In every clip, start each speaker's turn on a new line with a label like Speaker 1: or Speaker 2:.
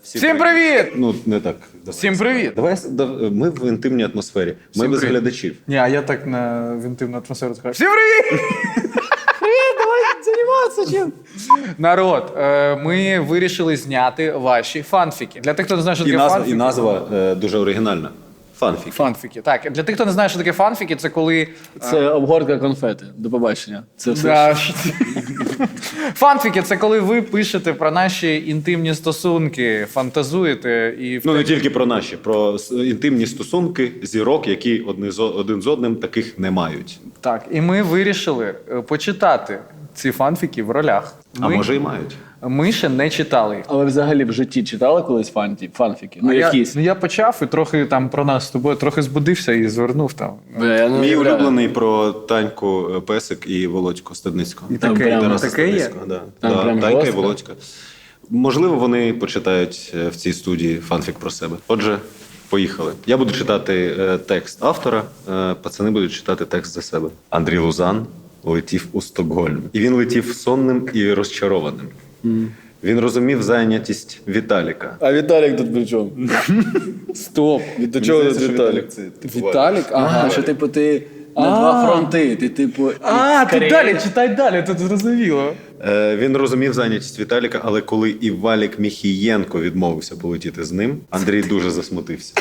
Speaker 1: Всім привіт!
Speaker 2: Ну, не так.
Speaker 1: Всім привіт!
Speaker 2: Ми в інтимній атмосфері. Ми без глядачів.
Speaker 1: Ні, а я так в інтимну атмосферу скажу. Всім привіт! Привіт, давай займатися чим. Народ, ми вирішили зняти ваші фанфіки. Для тих, хто не знає, що таке фанфіки.
Speaker 2: І назва дуже оригінальна. Фанфіки.
Speaker 1: Фанфіки. Так, для тих, хто не знає, що таке фанфіки, це коли...
Speaker 3: Це обгортка конфети. До побачення. Це все.
Speaker 1: Да. Фанфіки – це коли ви пишете про наші інтимні стосунки, фантазуєте і...
Speaker 2: Ну, не тільки про наші, про інтимні стосунки зірок, які один з одним таких не мають.
Speaker 1: Так, і ми вирішили почитати ці фанфіки в ролях.
Speaker 2: А може і мають.
Speaker 1: Ми ще не читали.
Speaker 3: А ви взагалі в житті читали колись фанфіки? Ну, якісь.
Speaker 1: Я почав і трохи там про нас з тобою трохи збудився і звернув там.
Speaker 2: Мій улюблений про Таньку Песик і Володьку Стадницького.
Speaker 1: І таке,
Speaker 2: Тараса
Speaker 1: таке є?
Speaker 2: Стадницького, да.
Speaker 3: Там прям
Speaker 2: Танька і
Speaker 3: жорстко?
Speaker 2: Володька. Можливо, вони почитають в цій студії фанфік про себе. Отже, поїхали. Я буду читати текст автора, пацани будуть читати текст за себе. Андрій Лузан летів у Стокгольм. І він летів сонним і розчарованим. Він розумів зайнятість Віталіка.
Speaker 3: А Віталік тут при чому? Стоп. До чого тут Віталік? Віталік? Ага, що типу ти на два фронти. Ти типу...
Speaker 1: Ти далі, читай далі, тут зрозуміло.
Speaker 2: Він розумів зайнятість Віталіка, але коли і Валік Міхієнко відмовився полетіти з ним, Андрій дуже засмутився.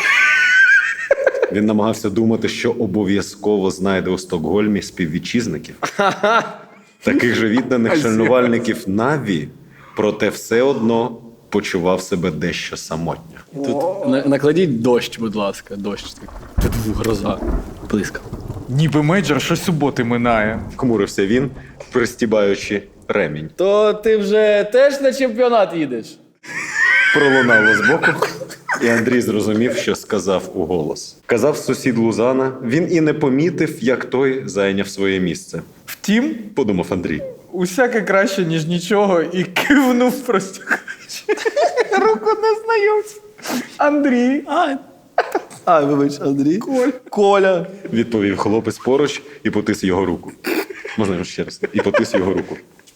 Speaker 2: Він намагався думати, що обов'язково знайде у Стокгольмі співвітчизників. Таких же відданих шанувальників Наві, проте все одно почував себе дещо самотньо.
Speaker 3: Тут накладіть дощ, будь ласка. Дощ. Тут гроза. Блискав.
Speaker 1: Ніби мейджор щосуботи минає.
Speaker 2: Хмурився він, пристібаючи ремінь.
Speaker 3: То ти вже теж на чемпіонат їдеш?
Speaker 2: Пролунало збоку, і Андрій зрозумів, що сказав уголос. Казав сусід Лузана, він і не помітив, як той зайняв своє місце.
Speaker 1: Втім,
Speaker 2: Подумав Андрій.
Speaker 1: усяке краще, ніж нічого, і кивнув простягаючи руку незнайомця. Андрій.
Speaker 3: Вибач, Андрій. Коля.
Speaker 2: Відповів хлопець поруч і потис його руку. Можна його ще раз? І потис його руку.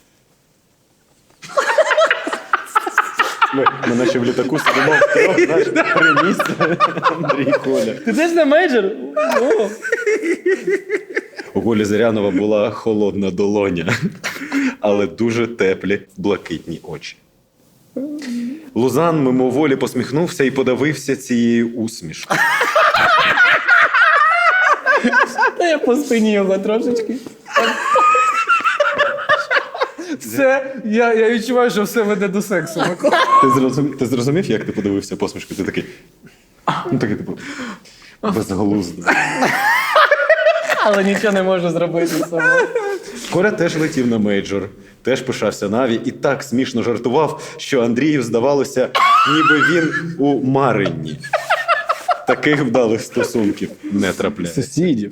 Speaker 2: Ми наче в літаку сидимо втрьох, знаєш, три місця. Андрій, Коля.
Speaker 3: Ти теж на мейджор? О.
Speaker 2: У Колі Зирянова була холодна долоня, але дуже теплі блакитні очі. Лузан мимоволі посміхнувся і подавився цією усмішкою.
Speaker 3: Та я по спині його трошечки.
Speaker 1: Все, я відчуваю, що все веде до сексу. Микола.
Speaker 2: Ти зрозумів, як ти подивився посмішкою? Ти такий, ну такий, типу, безглуздо.
Speaker 3: Але нічого не можу зробити з собою.
Speaker 2: Коля теж летів на мейджор, теж пишався Наві і так смішно жартував, що Андрію здавалося, ніби він у Марині. Таких вдалих стосунків не трапляється.
Speaker 3: Сусідів.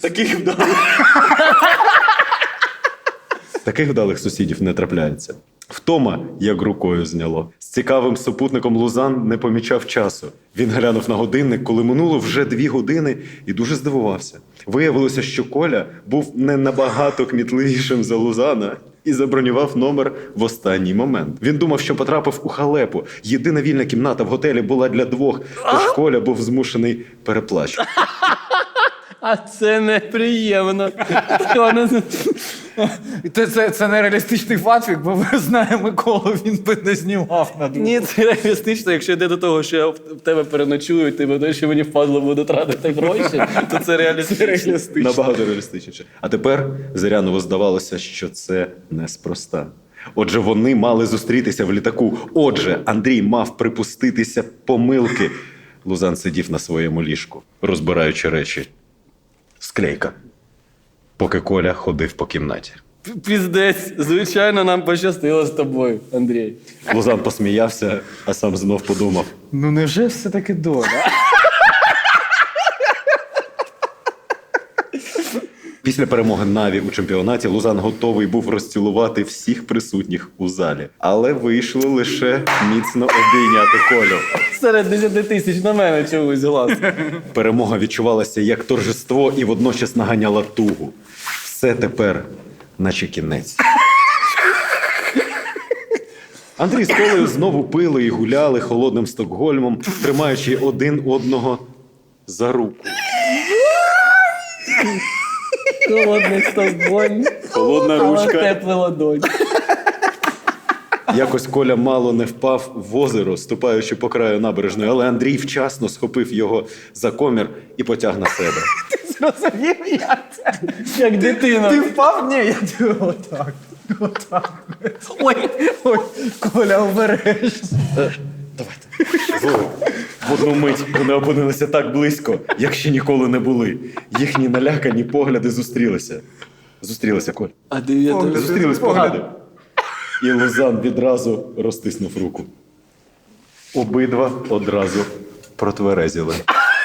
Speaker 2: Таких вдалих сусідів не трапляється. Втома, як рукою зняло. З цікавим супутником Лузан не помічав часу. Він глянув на годинник, коли минуло вже 2 години, і дуже здивувався. Виявилося, що Коля був не набагато кмітливішим за Лузана і забронював номер в останній момент. Він думав, що потрапив у халепу. Єдина вільна кімната в готелі була для 2, тож Коля був змушений переплачувати.
Speaker 3: А це неприємно.
Speaker 1: Це нереалістичний фанфік, бо ви знаєте Миколу, він би не знімав на другу.
Speaker 3: Ні, це реалістично. Якщо йде до того, що я в тебе переночую, ти буде, що мені впадло буде тратити гроші, то це реалістично.
Speaker 2: Набагато реалістичніше. А тепер Зирянову здавалося, що це неспроста. Отже, вони мали зустрітися в літаку. Отже, Андрій мав припуститися помилки. Лузан сидів на своєму ліжку, розбираючи речі. Склейка. Поки Коля ходив по кімнаті.
Speaker 3: Піздець, звичайно, нам пощастило з тобою, Андрій.
Speaker 2: Лузан посміявся, а сам знов подумав.
Speaker 1: Ну невже все-таки доля?
Speaker 2: Після перемоги Наві у чемпіонаті Лузан готовий був розцілувати всіх присутніх у залі. Але вийшло лише міцно обійняти Колю.
Speaker 3: Серед 10 тисяч на мене чогось глаз.
Speaker 2: Перемога відчувалася як торжество і водночас наганяла тугу. Все тепер наче кінець. Андрій з Колею знову пили і гуляли холодним Стокгольмом, тримаючи один одного за руку.
Speaker 3: Холодний Стокгольм.
Speaker 2: Холодна
Speaker 3: Але
Speaker 2: ручка.
Speaker 3: теплий ладонь.
Speaker 2: Якось Коля мало не впав в озеро, ступаючи по краю набережної, але Андрій вчасно схопив його за комір і потяг на себе.
Speaker 1: Зрозумів я це?
Speaker 3: Як дитина.
Speaker 1: Ти впав? Ні, я тебе отак. Отак. Ой, Коля, обережно.
Speaker 2: Слухай, в одну мить вони опинилися так близько, як ще ніколи не були. Їхні налякані погляди зустрілися. Зустрілися, Коль.
Speaker 3: А дев'ята.
Speaker 2: Зустрілись погляди. І Лузан відразу розтиснув руку. Обидва одразу протверезіли.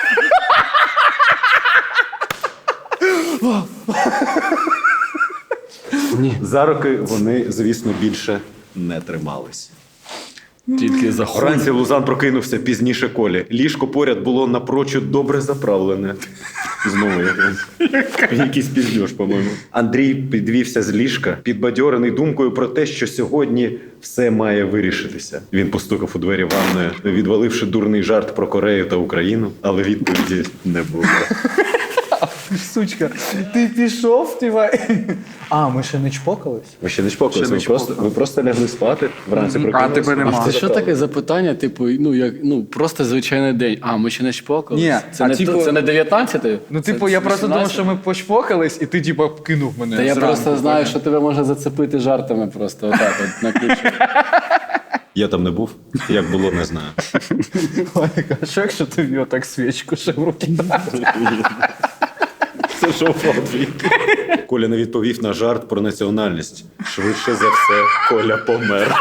Speaker 2: За руки вони, звісно, більше не тримались.
Speaker 3: Тільки за хуй.
Speaker 2: Вранці Лузан прокинувся пізніше Колі. Ліжко поряд було напрочуд добре заправлене. Знову якийсь піздьош, по-моєму. Андрій підвівся з ліжка, підбадьорений думкою про те, що сьогодні все має вирішитися. Він постукав у двері ванної, відваливши дурний жарт про Корею та Україну, але відповіді не було.
Speaker 1: Сучка, ти пішов, тіва. А, ми ще не чпокались?
Speaker 2: Ви ще не чпокалися,
Speaker 1: Ще не
Speaker 2: ви просто лягли спати, вранці прокинулися.
Speaker 1: тебе нема.
Speaker 3: Це що таке запитання, типу, просто звичайний день. А, ми ще не чпокали?
Speaker 1: Ні,
Speaker 3: Це,
Speaker 1: а
Speaker 3: не,
Speaker 1: типу-
Speaker 3: це не 19-й?
Speaker 1: Ну,
Speaker 3: Це
Speaker 1: типу, я просто думав,
Speaker 3: 18-й?
Speaker 1: що ми почпокались, і ти, типу, кинув мене.
Speaker 3: Та я
Speaker 1: зранку,
Speaker 3: просто знаю,
Speaker 1: поняв?
Speaker 3: що тебе можна зацепити жартами просто отак от на ключ.
Speaker 2: Я там не був, як було, не знаю.
Speaker 1: Валіка, а що якщо тобі отак свічку ще в руки дати?
Speaker 2: Це шоу твій. Коля не відповів на жарт про національність. Швидше за все, Коля помер.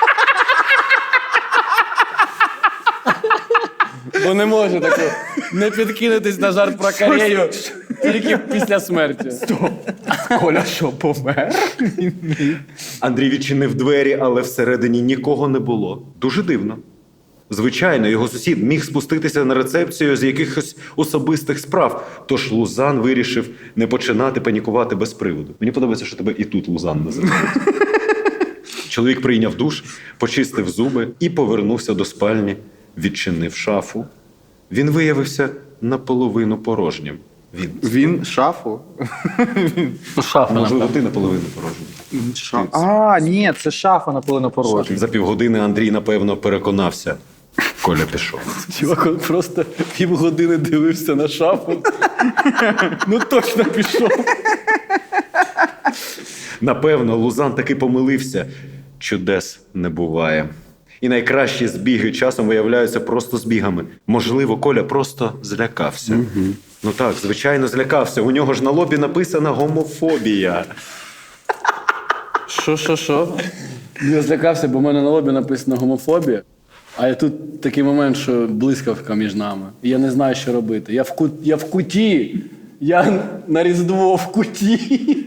Speaker 3: Бо не може таке не підкинутись на жарт про Корею тільки після смерті.
Speaker 1: Коля що, помер?
Speaker 2: Андрій відчинив двері, але всередині нікого не було. Дуже дивно. Звичайно, його сусід міг спуститися на рецепцію з якихось особистих справ, тож Лузан вирішив не починати панікувати без приводу. Мені подобається, що тебе і тут Лузан називають. Чоловік прийняв душ, почистив зуби і повернувся до спальні, відчинив шафу. Він виявився наполовину порожнім.
Speaker 1: Він шафу?
Speaker 2: Можливо, ти наполовину порожній.
Speaker 1: А, ні, це шафа наполовину порожня.
Speaker 2: За півгодини Андрій, напевно, переконався. Коля пішов.
Speaker 3: Чувак, він просто півгодини дивився на шафу. Ну точно пішов.
Speaker 2: Напевно, Лузан таки помилився. Чудес не буває. І найкращі збіги часом виявляються просто збігами. Можливо, Коля просто злякався. Ну так, звичайно, злякався. У нього ж на лобі написана гомофобія.
Speaker 3: Що? Я злякався, бо в мене на лобі написано гомофобія. А я тут такий момент, що блискавка між нами. І я не знаю, що робити. Я в куті. Я на Різдво в куті.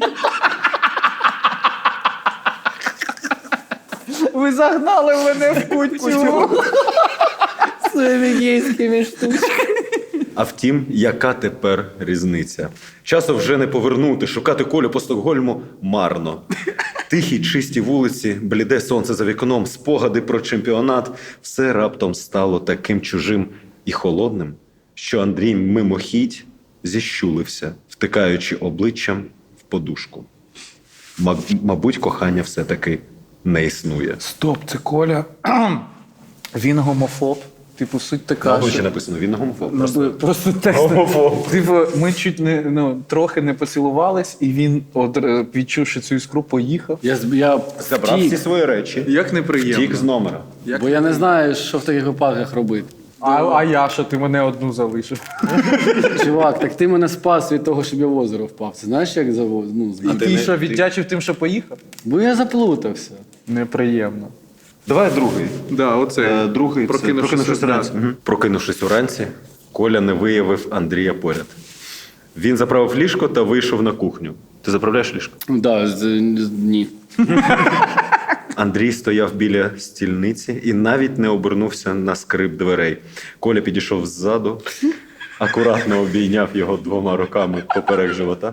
Speaker 1: Ви загнали мене в кутю.
Speaker 3: Своїми гейськими штучками.
Speaker 2: А втім, яка тепер різниця? Часу вже не повернути, шукати Колю по Стокгольму марно. Тихі, чисті вулиці, бліде сонце за вікном, спогади про чемпіонат – все раптом стало таким чужим і холодним, що Андрій мимохідь зіщулився, втикаючи обличчям в подушку. Мабуть, кохання все-таки не існує.
Speaker 1: Стоп, це Коля. Він гомофоб. Типу, суть така,
Speaker 2: Обличчя
Speaker 1: що...
Speaker 2: написано, він не гомофоб.
Speaker 1: Просто текст.
Speaker 2: Гомофоб.
Speaker 1: Типу, ми чуть не, трохи не поцілувались, і він, відчувши цю іскру, поїхав.
Speaker 3: Я
Speaker 2: Забрав всі
Speaker 3: втік,
Speaker 2: свої речі,
Speaker 1: Як неприємно.
Speaker 2: втік з номера.
Speaker 3: бо я не знаю, що в таких випадках робити.
Speaker 1: А я що, ти мене одну залишив?
Speaker 3: Чувак, так ти мене спас від того, щоб я в озеро впав. Це знаєш, як завоз?
Speaker 1: І ти що, віддячив тим, що поїхав?
Speaker 3: Бо я заплутався.
Speaker 1: Неприємно.
Speaker 2: Давай другий.
Speaker 1: Да, оце.
Speaker 2: Другий це
Speaker 1: Прокинувшись
Speaker 2: уранці. Прокинувшись уранці, Коля не виявив Андрія поряд. Він заправив ліжко та вийшов на кухню. Ти заправляєш ліжко?
Speaker 3: Ні.
Speaker 2: Андрій стояв біля стільниці і навіть не обернувся на скрип дверей. Коля підійшов ззаду, акуратно обійняв його 2 руками поперек живота,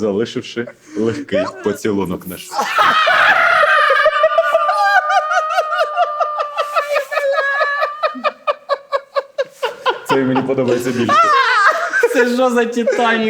Speaker 2: залишивши легкий поцілунок на шиї. цей мені подобається більше.
Speaker 3: Це що за Титанік?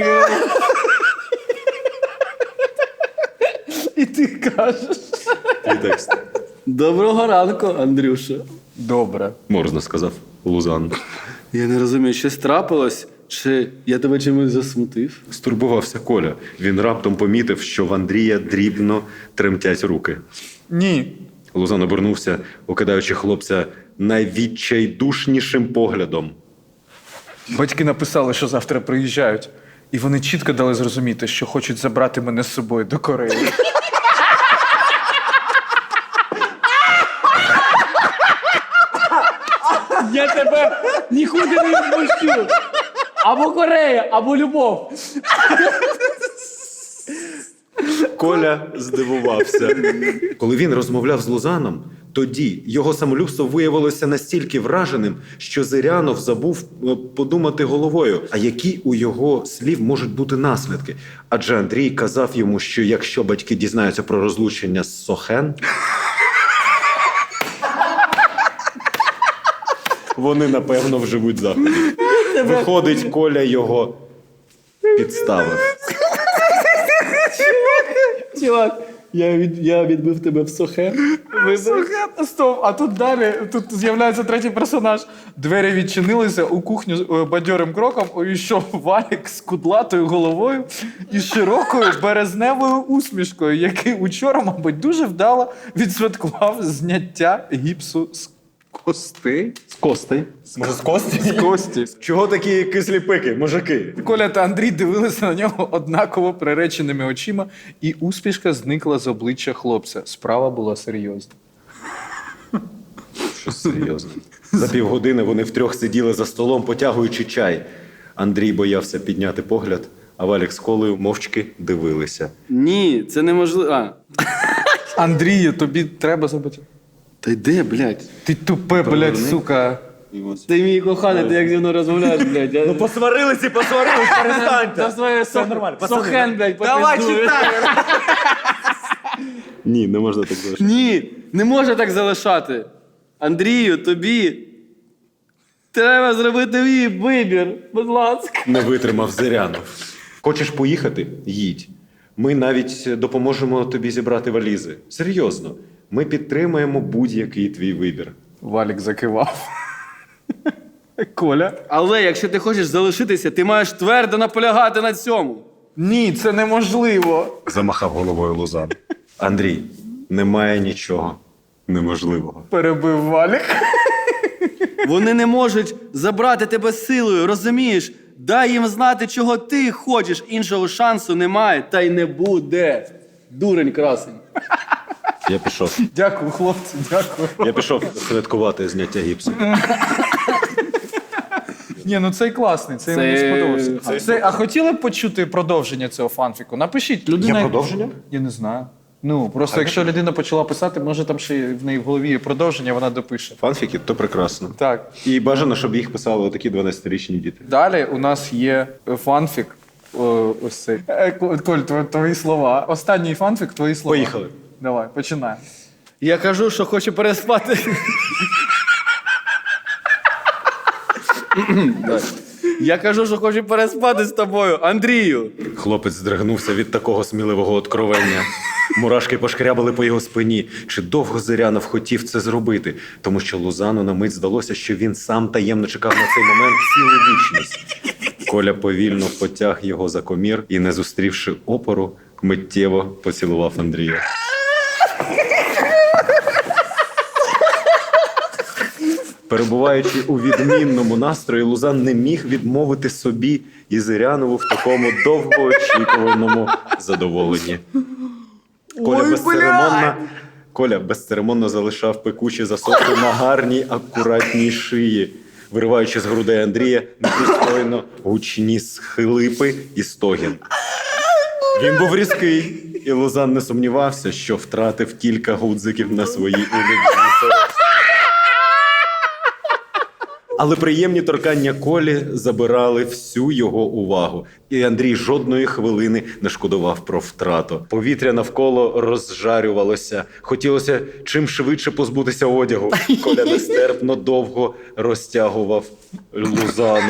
Speaker 3: І ти кажеш.
Speaker 2: Твій текст.
Speaker 3: Доброго ранку, Андрюша.
Speaker 1: Добре.
Speaker 2: Можна, сказав Лузан.
Speaker 3: Я не розумію, щось трапилось? Чи я тебе чимось засмутив?
Speaker 2: Стурбувався Коля. Він раптом помітив, що в Андрія дрібно тремтять руки.
Speaker 1: Ні.
Speaker 2: Лузан обернувся, окидаючи хлопця найвідчайдушнішим поглядом.
Speaker 1: Батьки написали, що завтра приїжджають. І вони чітко дали зрозуміти, що хочуть забрати мене з собою до Кореї.
Speaker 3: Я тебе нікуди не відпущу. Або Корея, або любов.
Speaker 2: Коля здивувався. Коли він розмовляв з Лузаном, тоді його самолюбство виявилося настільки враженим, що Зирянов забув подумати головою, а які у його слів можуть бути наслідки. Адже Андрій казав йому, що якщо батьки дізнаються про розлучення з Сохен, вони, напевно, вживуть заходи. Виходить, Коля його підставив.
Speaker 3: Чувак, я відбив тебе в сухе.
Speaker 1: Стоп, а тут далі, тут з'являється третій персонаж. Двері відчинилися, у кухню бадьорим кроком увійшов Валік з кудлатою головою і широкою березневою усмішкою, який учора, мабуть, дуже вдало відсвяткував зняття гіпсу з костей.
Speaker 3: З костей.
Speaker 2: Може, з кості?
Speaker 1: З кості.
Speaker 2: Чого такі кислі пики, мужики?
Speaker 1: Коля та Андрій дивилися на нього однаково приреченими очима, і усмішка зникла з обличчя хлопця. Справа була серйозна.
Speaker 2: Щось серйозне. За півгодини вони втрьох сиділи за столом, потягуючи чай. Андрій боявся підняти погляд, а Валік з Колею мовчки дивилися.
Speaker 3: Ні, це неможливо.
Speaker 1: Андрію, тобі треба забути.
Speaker 3: Та йде, блядь.
Speaker 1: Ти тупе, блядь, сука.
Speaker 3: Ти мій коханий, ти як зі мною розмовляєш, блядь. Ну,
Speaker 2: Посварились, перестаньте!
Speaker 3: та своє сохен, блядь,
Speaker 1: Давай
Speaker 3: попиздує.
Speaker 1: читай!
Speaker 2: Ні, не можна так залишити.
Speaker 3: Ні, не можна так залишати. Андрію, тобі треба зробити мій вибір, будь ласка.
Speaker 2: Не витримав Зирянов. Хочеш поїхати? Їдь. Ми навіть допоможемо тобі зібрати валізи. Серйозно. Ми підтримаємо будь-який твій вибір.
Speaker 1: Валік закивав. Коля?
Speaker 3: Але якщо ти хочеш залишитися, ти маєш твердо наполягати на цьому.
Speaker 1: Ні, це неможливо.
Speaker 2: Замахав головою Лузан. Андрій, немає нічого неможливого.
Speaker 1: Перебив Валік.
Speaker 3: Вони не можуть забрати тебе силою, розумієш? Дай їм знати, чого ти хочеш. Іншого шансу немає, та й не буде. Дурень красень.
Speaker 2: Я пішов.
Speaker 1: Дякую, хлопці, дякую.
Speaker 2: Я пішов святкувати зняття гіпсу.
Speaker 1: Ні, ну цей класний, цей
Speaker 3: Це-
Speaker 1: мені сподобався.
Speaker 3: це
Speaker 1: А хотіли б почути продовження цього фанфіку? Напишіть. Людина...
Speaker 2: Є продовження?
Speaker 1: Я не знаю. Ну, просто якщо людина почала писати, може там ще в неї в голові є продовження, вона допише.
Speaker 2: Фанфіки – то прекрасно.
Speaker 1: Так.
Speaker 2: І бажано, щоб їх писали отакі 12-річні діти.
Speaker 1: Далі у нас є фанфік. Ось цей. Коль, твої слова. Останній фанфік, твої слова.
Speaker 2: Поїхали.
Speaker 1: Давай, починаємо.
Speaker 3: Я кажу, що хочу переспати. Я кажу, що хочу переспати з тобою, Андрію.
Speaker 2: Хлопець здригнувся від такого сміливого откровення. Мурашки пошкрябали по його спині. Чи довго Зирянов хотів це зробити? Тому що Лузану на мить здалося, що він сам таємно чекав на цей момент цілу вічність. Коля повільно потяг його за комір і, не зустрівши опору, миттєво поцілував Андрія. Перебуваючи у відмінному настрої, Лузан не міг відмовити собі і Зирянову в такому довгоочікуваному задоволенні. Коля безцеремонно залишав пекучі засоси на гарній, акуратній шиї, вириваючи з грудей Андрія непристойно гучні схлипи і стогін. Він був різкий, і Лузан не сумнівався, що втратив кілька гудзиків на своїй улюбленій сорочці. Але приємні торкання Колі забирали всю його увагу. І Андрій жодної хвилини не шкодував про втрату. Повітря навколо розжарювалося. Хотілося чим швидше позбутися одягу. Коля нестерпно довго розтягував Лузана.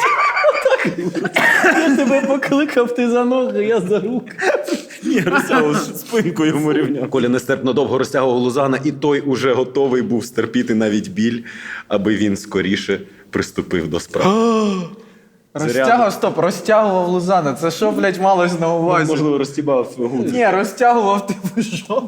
Speaker 3: Я тебе покликав, ти за ноги, я за руки.
Speaker 2: Ні, розтягував спинку йому рівня. Коля нестерпно довго розтягував Лузана, і той уже готовий був стерпіти навіть біль, аби він скоріше приступив до справи.
Speaker 1: Розтягував Лузана. Це що, блядь, малось на увазі?
Speaker 2: Можливо, розтібав гуд.
Speaker 1: Ні, розтягував, типу, що?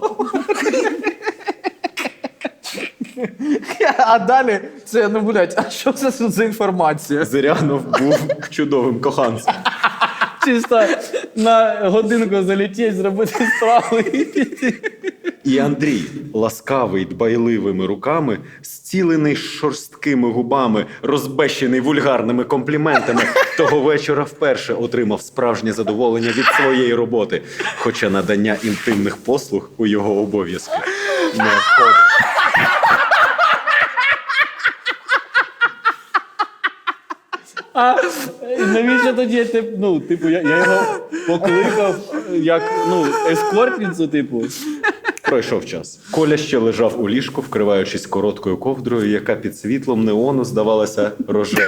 Speaker 1: А далі це, ну, блядь, а що це тут за інформація?
Speaker 2: Зирянов був чудовим коханцем.
Speaker 3: Чисто на годинку залетіть, зробити справу і піти.
Speaker 2: І Андрій, ласкавий дбайливими руками, зцілений шорсткими губами, розбещений вульгарними компліментами, того вечора вперше отримав справжнє задоволення від своєї роботи, хоча надання інтимних послуг у його обов'язки не входить.
Speaker 3: А навіщо тоді, типу, я його покликав як, ескортницю, типу.
Speaker 2: Пройшов час. Коля ще лежав у ліжку, вкриваючись короткою ковдрою, яка під світлом неону здавалася рожевою.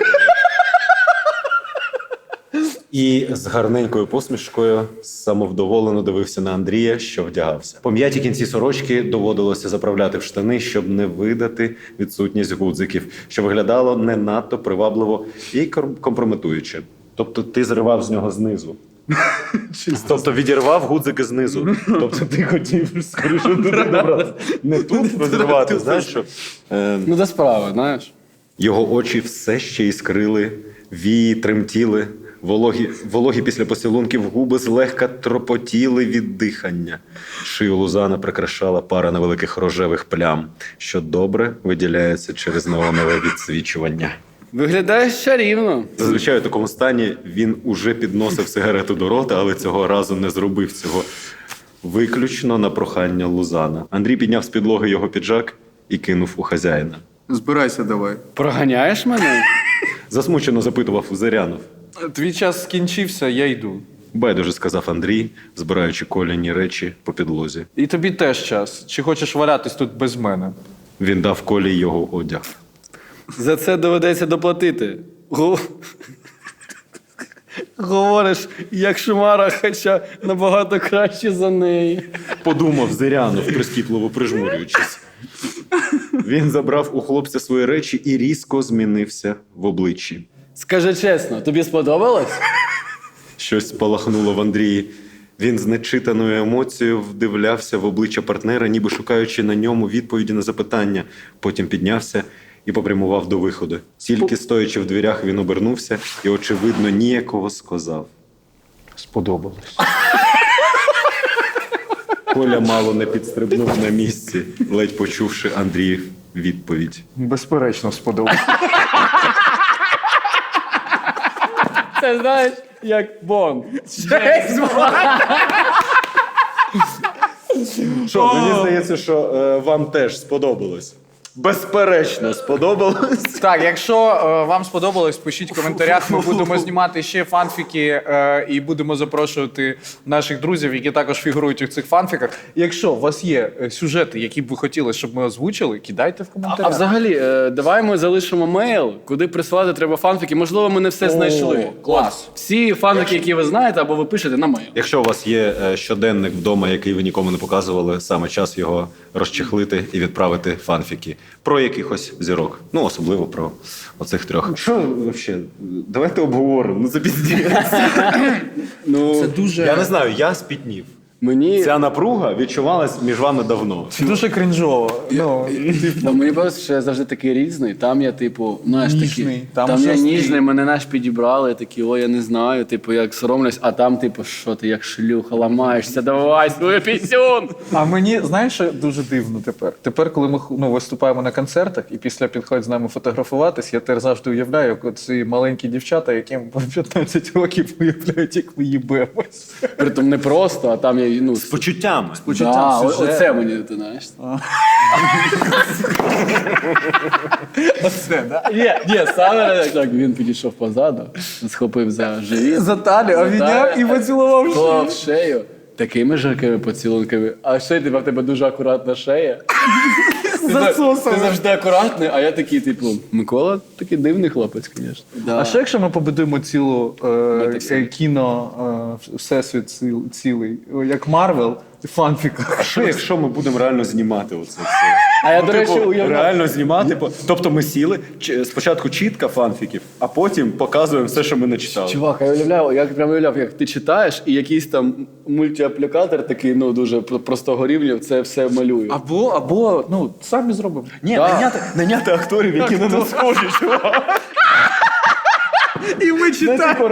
Speaker 2: І з гарненькою посмішкою самовдоволено дивився на Андрія, що вдягався. Пом'яті кінці сорочки доводилося заправляти в штани, щоб не видати відсутність гудзиків, що виглядало не надто привабливо і компрометуюче. Тобто ти зривав з нього знизу. Тобто відірвав гудзики знизу. Тобто ти хотів скоріше туди добратися. Не тут розірвати, знаєш що?
Speaker 3: Ну, до справи, знаєш.
Speaker 2: Його очі все ще іскрили, вії тремтіли, вологі після поцілунків губи злегка тропотіли від дихання. Шию Лузана прикрашала пара невеликих рожевих плям, що добре виділяється через неонове відсвічування.
Speaker 3: Виглядаєш чарівно.
Speaker 2: Зазвичай у такому стані він уже підносив сигарету до рота, але цього разу не зробив цього виключно на прохання Лузана. Андрій підняв з підлоги його піджак і кинув у хазяїна.
Speaker 1: Збирайся давай.
Speaker 3: Проганяєш мене?
Speaker 2: Засмучено запитував Зирянов.
Speaker 1: Твій час скінчився, я йду.
Speaker 2: Байдуже сказав Андрій, збираючи коляні речі по підлозі.
Speaker 1: І тобі теж час. Чи хочеш валятись тут без мене?
Speaker 2: Він дав Колі його одяг.
Speaker 3: За це доведеться доплатити. Говориш, як Шумара, хоча набагато краще за неї.
Speaker 2: Подумав Зирянов, прискіпливо прижмурюючись. Він забрав у хлопця свої речі і різко змінився в обличчі.
Speaker 3: Скажи чесно, тобі сподобалось?
Speaker 2: Щось спалахнуло в Андрії. Він з нечитаною емоцією вдивлявся в обличчя партнера, ніби шукаючи на ньому відповіді на запитання. Потім піднявся і попрямував до виходу. Тільки стоячи в дверях, він обернувся і, очевидно, ніяково сказав.
Speaker 1: Сподобалось.
Speaker 2: Коля мало не підстрибнув на місці, ледь почувши Андріїв відповідь.
Speaker 1: Безперечно, сподобалось.
Speaker 3: Це, знаєш, як Бонд.
Speaker 2: Що, мені здається, що вам теж сподобалось. Безперечно, сподобалось.
Speaker 1: Так, якщо вам сподобалось, пишіть в коментарях. Ми будемо знімати ще фанфіки і будемо запрошувати наших друзів, які також фігурують у цих фанфіках. Якщо у вас є сюжети, які б ви хотіли, щоб ми озвучили, кидайте в коментарях.
Speaker 3: А взагалі, давай ми залишимо мейл, куди присилати треба фанфіки. Можливо, ми не все знайшли.
Speaker 1: Клас.
Speaker 3: Всі фанфіки, які ви знаєте, або ви пишете на мейл.
Speaker 2: Якщо у вас є щоденник вдома, який ви нікому не показували, саме час його розчехлити і відправити фанфіки. Про якихось зірок. Ну, особливо про оцих трьох. Що взагалі? Давайте обговоримо. Ну, це піздець.
Speaker 3: Ну,
Speaker 2: Я не знаю, я спітнів.
Speaker 3: мені...
Speaker 2: Ця напруга відчувалась між вами давно.
Speaker 1: Це дуже крінжово.
Speaker 3: Мені просто, що я завжди такий різний. Там я, типу, знаєш,
Speaker 1: Ніжний,
Speaker 3: такий.
Speaker 1: там
Speaker 3: Там я
Speaker 1: жорсткий.
Speaker 3: ніжний, мене знаєш, підібрали, такі, ой, я не знаю, типу, як соромлюсь, а там, типу, що ти як шлюха ламаєшся, давай свою пісюн.
Speaker 1: А мені, знаєш, що дуже дивно тепер? Тепер, коли ми виступаємо на концертах і після підходять з нами фотографуватись, я тепер завжди уявляю, як ці маленькі дівчата, яким по 15 років уявляють, як ми їбемось.
Speaker 3: Притом не просто, а там нормальний, ну,
Speaker 2: З почуттями.
Speaker 3: да,
Speaker 1: сюжет.
Speaker 3: оце мені, ти знаєш.
Speaker 1: Оце, да?
Speaker 3: Ні, саме так, він підійшов позаду, схопив за живіт.
Speaker 1: За талію, обійняв і поцілував шию.
Speaker 3: Поцілував шею. Такими жаркими поцілунками. А ще в тебе дуже акуратна шея.
Speaker 1: Засосами.
Speaker 3: Ти завжди акуратний, а я такий, типу, Микола такий дивний хлопець, звісно. Да.
Speaker 1: А що якщо ми побудуємо цілу
Speaker 3: Метаксі.
Speaker 1: кіно, всесвіт цілий, як Марвел, в фанфіках?
Speaker 2: А що якщо ми будемо реально знімати оце все?
Speaker 3: А я, до речі,
Speaker 2: Типу,
Speaker 3: уявляю.
Speaker 2: реально знімати. Тобто ми сіли, спочатку чітка фанфіків, а потім показуємо все, що ми начитали.
Speaker 3: Чувак, я прямо уявляв, як ти читаєш, і якийсь там мультиаплікатор такий, ну, дуже простого рівня, це все малює.
Speaker 1: Або, ну, самі зробимо.
Speaker 2: Ні,
Speaker 3: Да.
Speaker 2: наняти акторів, які на нас схожі, чувак.
Speaker 1: І ми читаємо.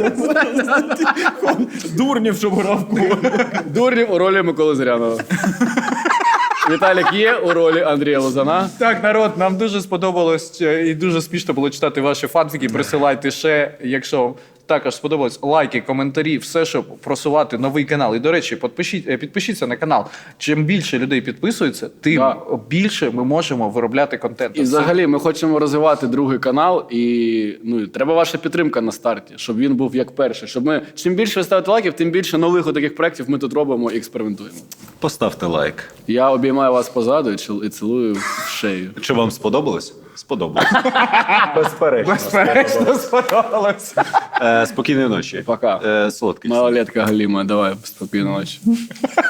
Speaker 2: Дурнів, щоб грав кого.
Speaker 3: Дурнів у ролі Миколи Зрянова. Віталік є у ролі Андрія Лозана.
Speaker 1: Так, народ, нам дуже сподобалось і дуже смішно було читати ваші фанфіки. Присилайте ще, якщо вам також сподобалось, лайки, коментарі, все, щоб просувати новий канал. І, до речі, підпишіться на канал. Чим більше людей підписується, тим
Speaker 3: Да.
Speaker 1: більше ми можемо виробляти контент.
Speaker 3: І взагалі ми хочемо розвивати другий канал, і ну, треба ваша підтримка на старті, щоб він був як перший. Щоб ми, чим більше ви ставите лайків, тим більше нових таких проєктів ми тут робимо і експериментуємо.
Speaker 2: Поставте лайк.
Speaker 3: Я обіймаю вас позаду і цілую в шею.
Speaker 2: Чи вам сподобалось? Сподобалось. Безперечно.
Speaker 1: Безперечно, сподобалось.
Speaker 2: Спокійної ночі.
Speaker 3: Пока.
Speaker 2: Солодкий.
Speaker 3: Малолетка Галіма, давай спокійної ночі.